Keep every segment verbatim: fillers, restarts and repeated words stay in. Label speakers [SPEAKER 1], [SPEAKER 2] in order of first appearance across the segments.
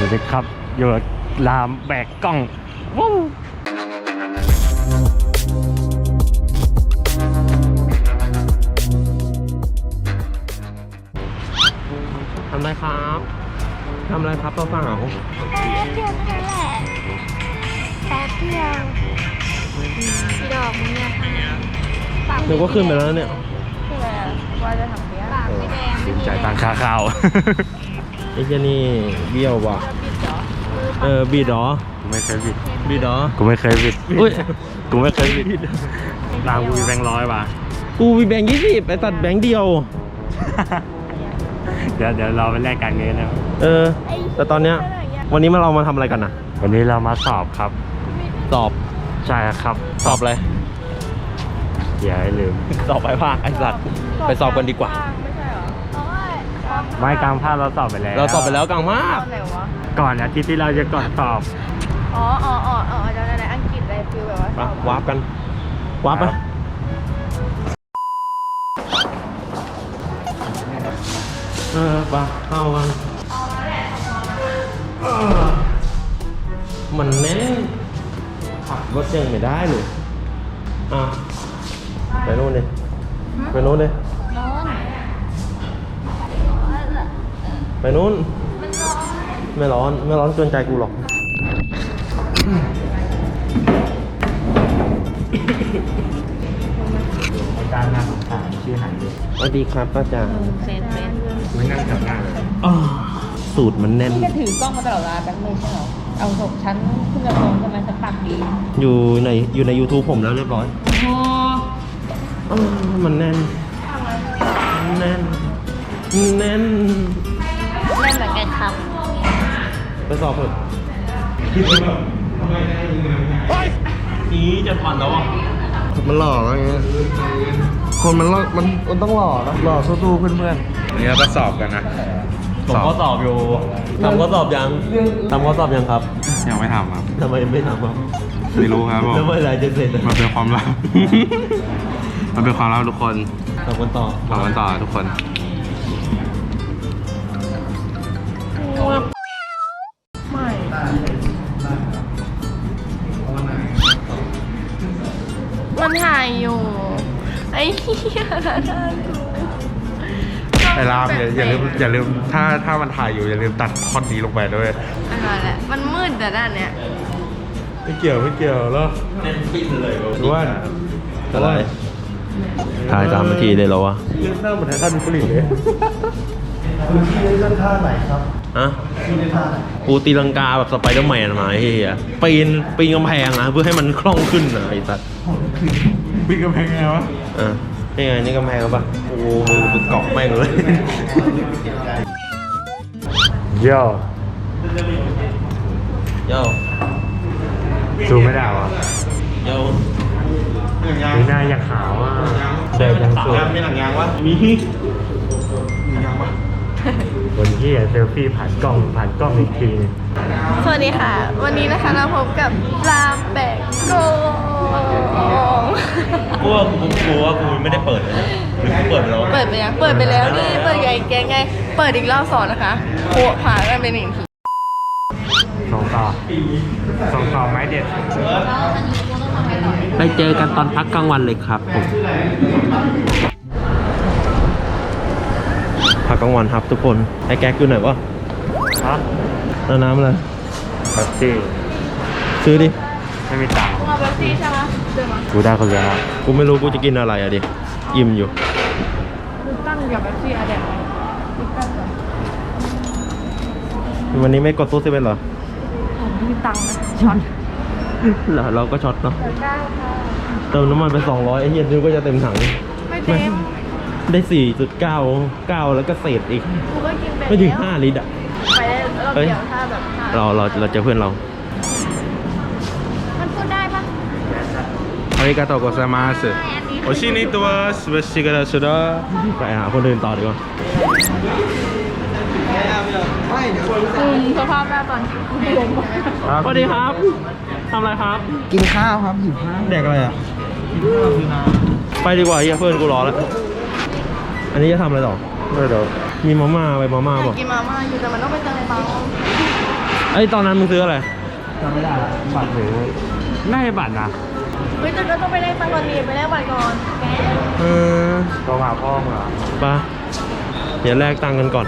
[SPEAKER 1] วัสดีครับอยู่รามแบกกล้องวู้
[SPEAKER 2] ทำอะไรครับทำอะไรครับตัวสาว
[SPEAKER 3] แป๊บเดียวเท่านั้นแหละแป๊บเดียวพี่ดอกมึงเนี่ยค่ะ
[SPEAKER 2] เดี๋ยวก็ขึ้นไปแล้วเนี่ย
[SPEAKER 3] คืออะไรอะว่าจะทำเนี้ยปากไม่แดง
[SPEAKER 1] สินใจตังค่าข้าว
[SPEAKER 2] ไอ้เจนี่เบี้ยวว่ะ
[SPEAKER 3] บิดเหรอ
[SPEAKER 2] เออบีดเหรอ
[SPEAKER 1] กูไม่เคยบิด
[SPEAKER 2] บีดเหรอ
[SPEAKER 1] กูไม่เคยบิดอุ้ยกูไม่เคยบิดรามกูมีแบงค์ร้อยว่ะ
[SPEAKER 2] กูมีแบงค์ยี่สิบไปตัดแบงค์เดียว
[SPEAKER 1] เดี๋ยวเดี๋ยวเราไปแลกกันเงินนะ
[SPEAKER 2] เออ แต่ตอนเนี้ยวันนี้มาเรามาทำอะไรกันนะ
[SPEAKER 1] วันนี้เรามาสอบครับ
[SPEAKER 2] สอบ
[SPEAKER 1] ใช่ครับ
[SPEAKER 2] สอบอะไร
[SPEAKER 1] อย่าให้ลืม
[SPEAKER 2] สอบไปภาคไอ้สัตว์ไปสอบกันดีกว่า
[SPEAKER 3] ไม่ใช่เหรอโอ้ย
[SPEAKER 1] ไม่กลางภาคเราสอบไปแล้ว
[SPEAKER 2] เราสอบไปแล้วกลางมาก
[SPEAKER 3] ตอนไหนวะ
[SPEAKER 1] ก่อนอาทิตย์ที่เราจะก่อนสอบ
[SPEAKER 3] อ๋ออ๋ออ๋ออ๋อจำได้แล้วอังกฤษอะไรฟิลแบบว่า
[SPEAKER 2] ไปวาร์ปกันวาร์ปไปเออไปเข้ากันเออมันแน่นขับรถยังไม่ได้เลยอ่ะไปโน่นเลยไปโน่นเลย
[SPEAKER 3] ร้อน
[SPEAKER 2] ไปโน่นไม่ร้อนไม่ร้อนเกินใจกูหรอก
[SPEAKER 1] อาจารย์น่าสงสารชื่อหายเลย
[SPEAKER 2] สวัสดีครับอาจารย์
[SPEAKER 3] เซนเซน
[SPEAKER 1] ไม่นั่งแถวหน้าเลย
[SPEAKER 2] อ้าวสูตรมันแน่น
[SPEAKER 3] พี่จะถือกล้องมาตลอดเวลาแบงค์เลยใช่เหรอเอาศพฉันขึ้นกระโปรงทำไมฉันปากดี
[SPEAKER 2] อยู่ในอยู่ใน YouTube ผมแล้วเรียบร้อย
[SPEAKER 3] โอ้
[SPEAKER 2] เออมันแน่นแน่นแน่น
[SPEAKER 3] เล่นเหมือนกันครับ
[SPEAKER 2] ไปสอบเถอะนี่จะผ่อนแล้วอ่ะ
[SPEAKER 4] มันหล่ออะไรเงี้ย คนมันหล่อมันมันต้องหล่อนะหล่อสู้ๆเพื่อน
[SPEAKER 1] วันนี้เราก็สอบกันนะ
[SPEAKER 2] ผมก็สอบอยู่ทำก็สอบยังทำก็สอบยังครับ
[SPEAKER 1] ยังไม่ทำครับ
[SPEAKER 2] ทำไมไม่ทำครับ
[SPEAKER 1] ไม่รู้ครับผม
[SPEAKER 2] แล้วเมื่อไหรจะเสร็จ
[SPEAKER 1] มันเป็นความลับ มันเป็นความลับทุกคน
[SPEAKER 2] ทำกันต่อ
[SPEAKER 1] ทำกันต่อทุกคน
[SPEAKER 3] มันถ่ายอยู่ ไอ้เหี้ยนะท่าน
[SPEAKER 4] ๆไอ้รามอย่าอย่าลืมอย่าลืมถ้าถ้ามันถ่ายอยู่อย่าลืมตัดคอนนี้ลงไปด้วย
[SPEAKER 3] อะไรแหละ มันมืดแต่ด้านเนี้ย
[SPEAKER 4] ไม่เกี่ยวไม่เกี่ยวแล้ว
[SPEAKER 2] แน่นปิ้นเลย
[SPEAKER 4] หรือว่า
[SPEAKER 2] อะไรถ่ายสามนาทีเลยเหรอวะ
[SPEAKER 4] เรื่องหน้าเหมือนท่านผลิตเลยคุณพี่เล่นท่าไหนครับ
[SPEAKER 2] อะ
[SPEAKER 4] พี่เล่นท่าไหน
[SPEAKER 2] กูตีลังกาแบบสไปเดอร์แมนมาไอ้เหี้ยปีนปีนกำแพงนะเพื่อให้มันคล่องขึ้นนะไอ้สัส
[SPEAKER 4] ปีกำแพงไงวะ
[SPEAKER 2] อ่ะนี่ไงนี่กำแพงปะโอ้โหมือเป็นเกาะแม่งเลย
[SPEAKER 1] โย่
[SPEAKER 2] โย่
[SPEAKER 1] ซูมไม่ได้วะ
[SPEAKER 2] โย่
[SPEAKER 1] มีหน้าอยากขาวอ่ะเดินยังสวย
[SPEAKER 4] มีหนังยางวะมีมียางวะ
[SPEAKER 1] คนที่เซลฟี่ผ่านกล้องผ่านกล้องอีกทีนึง
[SPEAKER 3] สวัสดีค่ะ วันนี้นะคะเราพบกับรามแบกโกง
[SPEAKER 2] กูว่ากูกูว่ากูไม่ได้เปิดเลยนะหรือกูเปิดไปแล้ว
[SPEAKER 3] เปิดไปยังเปิดไปแล้วนี่ เปิดไงแกไง เปิดอีกรอบสอนนะคะโคผ่านกันเป็นหนึ่งที
[SPEAKER 1] ส่งต่อส่งต่อไม้เด็ด
[SPEAKER 2] ไปเจอกันตอนพักกลางวันเลยครับผมพักกลางวันครับทุกคนไอ้แก๊กอยู่ไหนวะ
[SPEAKER 1] ฮะ
[SPEAKER 2] เอาน้ำอะไร
[SPEAKER 1] แท็กซี่
[SPEAKER 2] ซื้อดิ
[SPEAKER 1] ไม่มีตังค์
[SPEAKER 3] เอาแบบซี่ใช่ไหมเดินมา
[SPEAKER 1] กูได้คนเดียว
[SPEAKER 2] กูไม่รู้กูจะกินอะไรอะดิอิ่มอยู่
[SPEAKER 3] ดูตั้งกับแบบซี่อะเด็กดูตั้งก่อน
[SPEAKER 2] วันนี้ไม่กดตู้เซเว่นเหรอ
[SPEAKER 3] ผมไม่มีตังค์นะช็อต
[SPEAKER 2] เหรอเราก็ช็อตเนาะ
[SPEAKER 3] ได้ค่ะ
[SPEAKER 2] เติมน้ำมันไปสองร้อยไอ้เหี้ยนึกว่าจะเต็มถัง
[SPEAKER 3] ไม่เต็ม
[SPEAKER 2] ได้ สี่จุดเก้า เก้าแล้วก็เศษอีก
[SPEAKER 3] กูก็กินไป
[SPEAKER 2] ไม่ถึง
[SPEAKER 3] แล้ว
[SPEAKER 2] ห้าลิตรอ่ะ
[SPEAKER 3] ไปได้เราเดี๋ยวถ้าแบบถ้า
[SPEAKER 2] เราเราเราเจอเพื่อนเรา
[SPEAKER 3] มันพูดได้ปะ
[SPEAKER 4] อาริกาโตโกไซมาสโอชินิตัวสเปซิกาสุดา
[SPEAKER 2] ไปหาคนอื่นต่อดีกว่า
[SPEAKER 3] อืมสภาพหน้าตอนกูเดินมา
[SPEAKER 2] สวัสดีครับทำอะไรครับ
[SPEAKER 4] กินข้าวครับหิวข้าวแดกอะไรอ่ะกินข้าวคือน้ำ
[SPEAKER 2] ไปดีกว่าเฮียเพื่อนกูรอแล้ว อันนี้จะทำอะไรต่อ
[SPEAKER 1] ไม่เดี๋ยว
[SPEAKER 2] มีมาม่าไปมาม่า
[SPEAKER 3] อยาก
[SPEAKER 2] บอก
[SPEAKER 3] กินมาม่าอยู่แต่มันต้องไปเติมเปล่า
[SPEAKER 2] ไอ้ยตอนนั้นมึงซื้ออะไร
[SPEAKER 1] จำไม่ได้ละบัตรหรือน่าจะบัตรนะ
[SPEAKER 3] เฮ้ยแต่ก็ต้องไปแลกตังค์ก่อนดีไปแลกบัตรก่อนแก
[SPEAKER 2] เออ
[SPEAKER 1] ตัวหาพ่อมึงเหรอ
[SPEAKER 2] ไปะเดี๋ยวแลกตังค์กันก่อน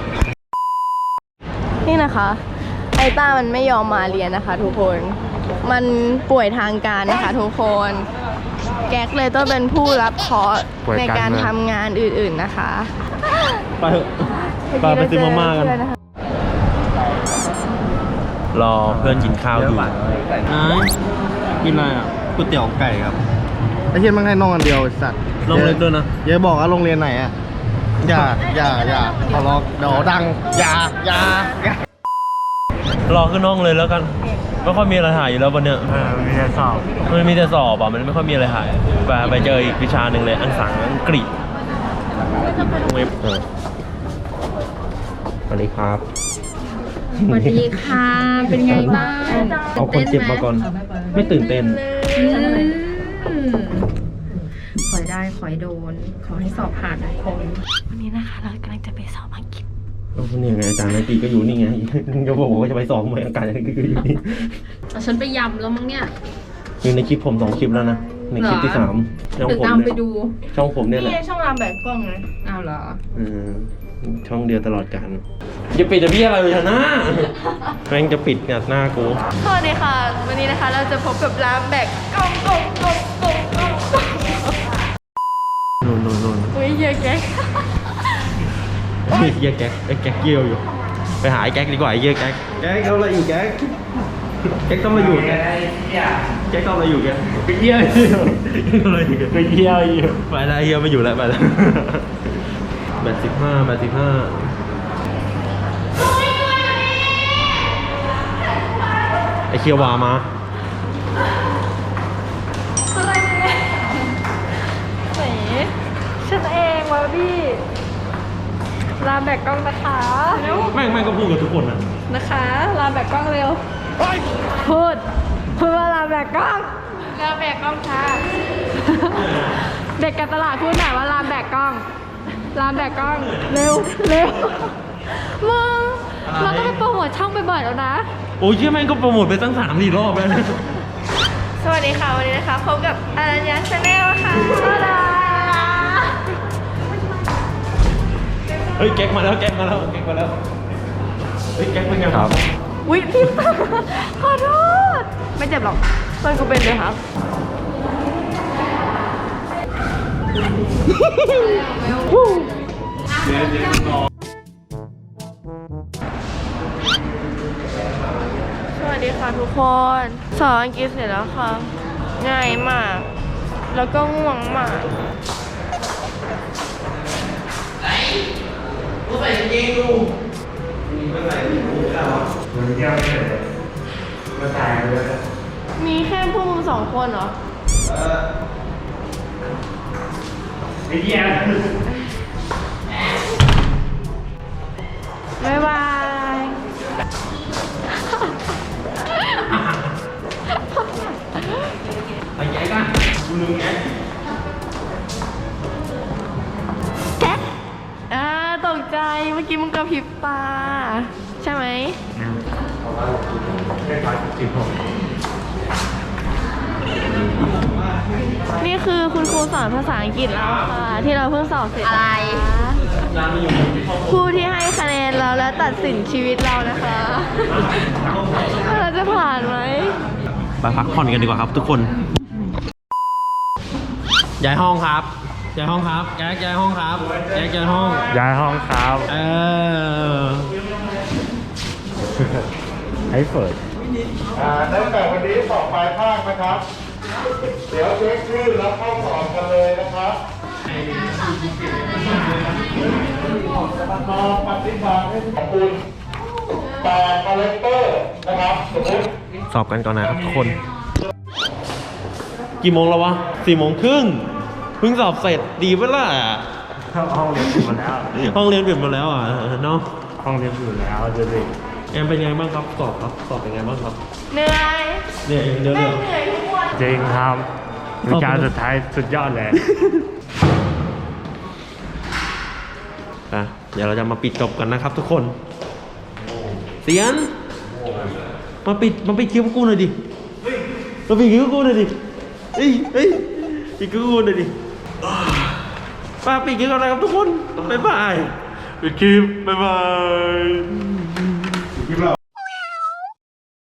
[SPEAKER 3] นี่นะคะไอต้ามันไม่ยอมมาเรียนนะคะทุกคน มันป่วยทางการนะคะทุกคน แก๊กเลยต้องเป็นผู้รับเคราะห์ในการทำงานอื่นๆนะคะ
[SPEAKER 2] ไปเถอะไปไปซื้อมาม่ากัน รอเพื่อนกินข้าวอยู่กินอะไรอ่ะ
[SPEAKER 1] ก๋วยเตี๋ยวไก่ครับไอ้เหี้ยมันให้น้องอันเดียวไอ้สัตว์
[SPEAKER 2] ลงเล็กด้วยนะ
[SPEAKER 1] อย่าบอกว่าโรงเรียนไหนอ่ะอย่าอย่าอย่าขอร้องเดี๋ยวดังอย่าอย่าอย่าร
[SPEAKER 2] อขึ้นห้องเลยแล้วกันไม่ค่อยมีอะไรถ่ายอยู่แล้ววันเนี้ย
[SPEAKER 1] เออมีแต่สอบ
[SPEAKER 2] มันมีแต่สอบอ่ะมันไม่ค่อยมีอะไรถ่ายไปไปเจออีกวิชาหนึ่งเลยอันสังอังกฤษเออสวัสดีครับ
[SPEAKER 5] สวัสดีค่ะ เป็นไงบ้าง
[SPEAKER 2] เอาคนเจ็บมาก่อน ไม่ตื่นเต้น
[SPEAKER 5] อืมขอให้ได้ขอให้โดน ขอให้สอบผ่านทุกคน
[SPEAKER 3] วันนี้นะคะเรากำลังจะไปสอบอังกฤษ
[SPEAKER 2] ก็นี่ไงอาจารย์นันตีก็อยู่นี่ไงจะบอกว่าจะไปสอบไหมอาการนันตีก็อยู่นี่
[SPEAKER 5] เอาฉันไปยำแล้วมั้งเนี่ย
[SPEAKER 2] อยู่ในคลิปผมสองคลิปแล้วนะ ในคลิปที่สามช่อง
[SPEAKER 5] หรือ
[SPEAKER 2] ผม
[SPEAKER 5] ตามไป
[SPEAKER 2] เนี่ย
[SPEAKER 5] ดู
[SPEAKER 2] ช่องผมเนี่ยแหละ
[SPEAKER 3] นี่ช่องรามแบบกล้องนะ
[SPEAKER 5] เอาเหรอ
[SPEAKER 2] อืมช่องเดียวตลอดกันจะปิดจะพี่อะไรเลยนะแม่งจะปิดเนี่ยหน้ากู
[SPEAKER 3] สวัสดีค่ะ วันนี้นะคะเราจะพบกับรามแบบกล้องกล้องกล้องกล้องกล้องกล้อง
[SPEAKER 2] นู่นนู่นนู่น
[SPEAKER 3] อุ้ยเยอะแก๊ก
[SPEAKER 2] เฮียแก๊กไอ้แก๊กเยี่ยวอยู่ ไปหาไอ้แก๊กดีกว่าไอ้เฮียแก๊กแก๊กทำอะไรอยู่แก๊กแก๊กทำอะไรอยู่แก๊กแก๊กทำอะไรอยู่แก๊กไปเยี่ยวอยู่ทำอะไรอยู่ไปเยี่ยวอยู่ไปแล้วเฮียไม่อยู่แล้วไปแล้วแปดสิบห้าแปดสิบห้าไอ้เคียววามา
[SPEAKER 3] แหมฉันเองวะพี่รามแบบกล้องนะคะ
[SPEAKER 2] แม่งแม่งก็พูดกับทุกคนนะ
[SPEAKER 3] นะคะรามแบบกล้องเร็วพูดพูดว่ารามแบบกล้องรามแบบกล้องค่ะเด็กการตลาดพูดหน่อยว่ารามแบบกล้องรามแบบกล้องเร็วเร็วมึงเราต้องไปโปรโมทช่องบ่อยๆแล้วนะ
[SPEAKER 2] โอ้ยเชี่ยแม่งก็โปรโมทไปตั้งสามสี่รอบแล้วนะ
[SPEAKER 3] สวัสดีค่ะวันนี้นะคะพบกับอารัญญาชาแนลค่ะสวัสดี
[SPEAKER 2] เฮ้ยแก๊กมาแล้วแก๊กมาแล้วแก๊กมาแล้วเฮ้ยแก๊กเป็นไงครับ
[SPEAKER 3] อุ๊ยพี่ตาขอโทษไม่เจ็บหรอกตอนกูเป็นเลยครับสวัสดีค่ะทุกคนสอนอังกฤษเสร็จแล้วค่ะ ง่ายมาก แล้วก็ง่วงมาก มีแค่พวกมึงสองคนเหรอ
[SPEAKER 1] ไอ้เหี้ย
[SPEAKER 3] บ๊ายบาย
[SPEAKER 2] ไอ้แก๊กอะกูลืมแก๊ก
[SPEAKER 3] แก๊กอ่าตกใจเมื่อกี้มึงกระพริบตา ใช่ไหม นี่คือคุณครูสอนภาษาอังกฤษแล้วค่ะ ที่เราเพิ่งสอบเสร็จ
[SPEAKER 5] อะไร
[SPEAKER 3] ผู้ที่ให้คะแนนเราและตัดสินชีวิตเรานะคะว่าเราจะผ่านไหม
[SPEAKER 2] ไปพักผ่อนกันดีกว่าครับทุกคนย้ายห้องครับย้ายห้องครับแก๊กย้ายห้องครับแก๊กย้ายห้อง
[SPEAKER 1] ย้ายห้องครับ
[SPEAKER 2] เออ
[SPEAKER 1] ให้เปิด
[SPEAKER 4] อ่าตั้งแต่วันนี้สอบปลายภาคนะครับ เดี๋ยวเช็คชื่อแล้วเข้าสอบกันเลยนะครับมาปฏิบัติให้ขอบคุณแปดคาแรคเตอร์นะครับสมมติ
[SPEAKER 2] สอบกันก่อนนะครับทุกคน กี่โมงแล้ววะสี่โมงครึ่งเพิ่งสอบเสร็จดีเวล่ะ
[SPEAKER 1] ห้องเรียนปิดหมดแล้ว
[SPEAKER 2] ห้องเรียนปิดหมดแล้วอ่ะเนาะ
[SPEAKER 1] ห้องเรียนอยู่แล้วเดี๋ยวดิ
[SPEAKER 2] แอมเป็นไงบ้างครับสอบครับสอบเป็นไงบ้างครับ
[SPEAKER 3] เหนื่อย
[SPEAKER 2] เนี่ยเดี๋ยว
[SPEAKER 3] แม่
[SPEAKER 2] เดี๋ยว
[SPEAKER 3] งเหนื่อยทุกวัน
[SPEAKER 1] จริงครับวิชาสุดท้ายสุดยอดเลย
[SPEAKER 2] อ่ะเดี๋ยวเราจะมาปิดจบกันนะครับทุกคนเสียนมาปิดมาปิดคิ้วกูหน่อยดิมาปิดคิ้วกูหน่อยดิเฮ้ยเฮ้ยปิดคิ้วกูหน่อยดิมาปิดคิ้วกันนะครับทุกคนบ๊ายบายปิดคลิปบ๊ายบาย